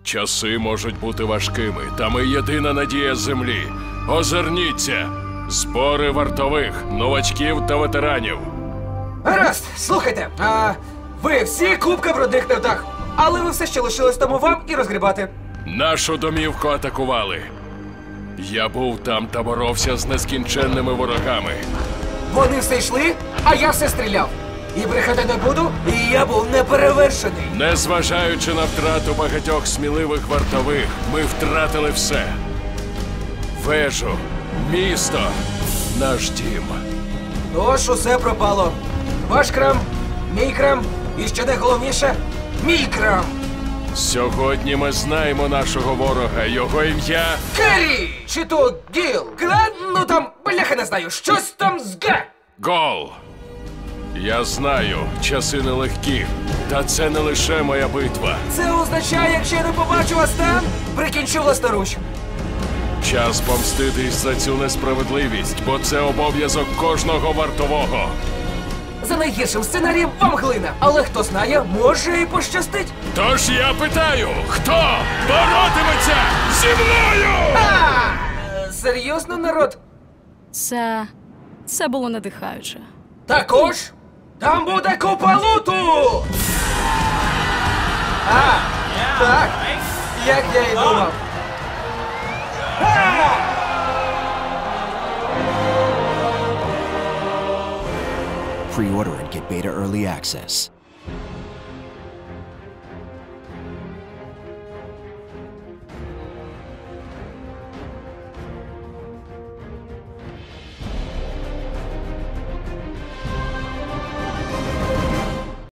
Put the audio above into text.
Часи можуть бути важкими, та ми єдина надія землі. Озирніться! Збори вартових, новачків та ветеранів. Гаразд, слухайте, ви всі купка брудних невдах, але ви все ще лишилось тому вам і розгрібати. Нашу домівку атакували. Я був там та боровся з нескінченними ворогами. Вони все йшли, а я все стріляв. І брехати не буду, і я був неперевершений. Незважаючи на втрату багатьох сміливих вартових, ми втратили все. Вежу, місто, наш дім. Тож усе пропало. Ваш крам, мій крам, і що найголовніше, мій крам. Сьогодні ми знаємо нашого ворога, його ім'я... Керрі! Чи то Гіл? Глен? Ну там, бляха не знаю, щось там з Г. Гол! Я знаю, часи нелегкі, та це не лише моя битва. Це означає, якщо я не побачу вас там, прикінчу власноруч. Час помститись за цю несправедливість, бо це обов'язок кожного вартового. За найгіршим сценарієм вам глина, але хто знає, може і пощастить. Тож я питаю, хто боротиметься зі мною? Серйозно, народ? Це було надихаюче. Також там буде купа луту! Так, як я і думав. Pre-order and get beta early access.